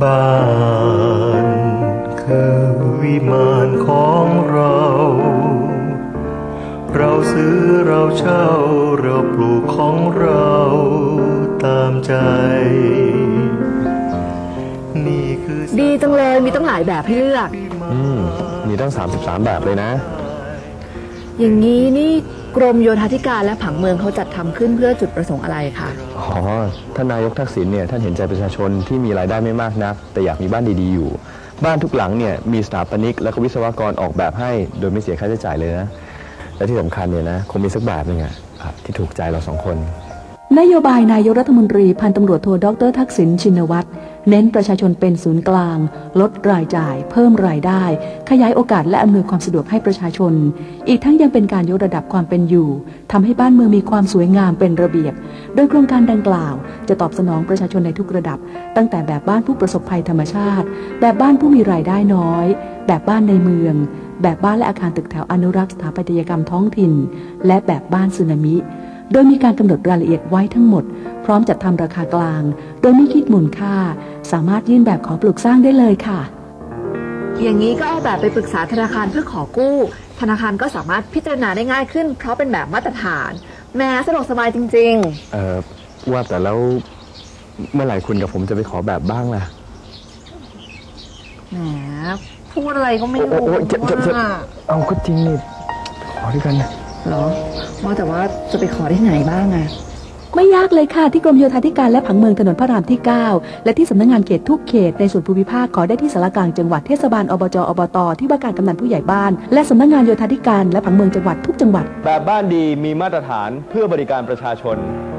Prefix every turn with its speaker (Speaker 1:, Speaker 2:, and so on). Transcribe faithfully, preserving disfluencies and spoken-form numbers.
Speaker 1: บ้านคือวิมานของเราเราซื้อเราเช่าเราปลูกของเราตามใจนี่คือ
Speaker 2: ดีจังเลยมีตั้งหลายแบบให้เลือก
Speaker 3: อืมมีตั้งสามสิบสามแบบเลยนะ
Speaker 2: อย่างนี้นี่กรมโยธาธิการและผังเมืองเขาจัดทำขึ้นเพื่อจุดประสงค์อะไรคะ
Speaker 3: อ๋อท่านนายกทักษิณเนี่ยท่านเห็นใจประชาชนที่มีรายได้ไม่มากนักแต่อยากมีบ้านดีๆอยู่บ้านทุกหลังเนี่ยมีสถาปนิกและวิศวกรออกแบบให้โดยไม่เสียค่าใช้จ่ายเลยนะและที่สำคัญเนี่ยนะคงมีสักแบบนึงอะที่ถูกใจเราสองคน
Speaker 4: นโยบายนายกรัฐมนตรีพันตำรวจโทดร.ทักษิณชินวัตรเน้นประชาชนเป็นศูนย์กลางลดรายจ่ายเพิ่มรายได้ขยายโอกาสและอำนวยความสะดวกให้ประชาชนอีกทั้งยังเป็นการยกระดับความเป็นอยู่ทำให้บ้านเมืองมีความสวยงามเป็นระเบียบโดยโครงการดังกล่าวจะตอบสนองประชาชนในทุกระดับตั้งแต่แบบบ้านผู้ประสบภัยธรรมชาติแบบบ้านผู้มีรายได้น้อยแบบบ้านในเมืองแบบบ้านและอาคารตึกแถวอนุรักษ์สถาปัตยกรรมท้องถิ่นและแบบบ้านสึนามิโดยมีการกำหนดรายละเอียดไว้ทั้งหมดพร้อมจัดทำราคากลางโดยไม่คิดมูลค่าสามารถยื่นแบบขอปลูกสร้างได้เลยค่ะ
Speaker 2: อย่างนี้ก็เอาแบบไปปรึกษาธนาคารเพื่อขอกู้ธนาคารก็สามารถพิจารณาได้ง่ายขึ้นเพราะเป็นแบบมาตรฐานแม้สะดวกสบายจริง
Speaker 3: ๆเอ่อว่าแต่แล้วเมื่อไหร่คุณกับผมจะไปขอแบบบ้างล่ะ
Speaker 2: แหมพูดอะไรก็ไม่รู้ว่า
Speaker 3: เอาก็จริงนี่ขอด้วยกันนะ
Speaker 2: เหรอว่าแต่ว่าจะไปขอที่ไหนบ้างอะ
Speaker 4: ไม่ยากเลยค่ะที่กรมโยธาธิการและผังเมืองถนนพระรามที่เก้าและที่สำนักงานเขตทุกเขตในส่วนภูมิภาคขอได้ที่สารกลางจังหวัดเทศบาลอบจอบตที่ว่าการกำนันผู้ใหญ่บ้านและสำนักงานโยธาธิการและผังเมืองจังหวัดทุกจังหวัด
Speaker 3: แบบบ้านดีมีมาตรฐานเพื่อบริการประชาชน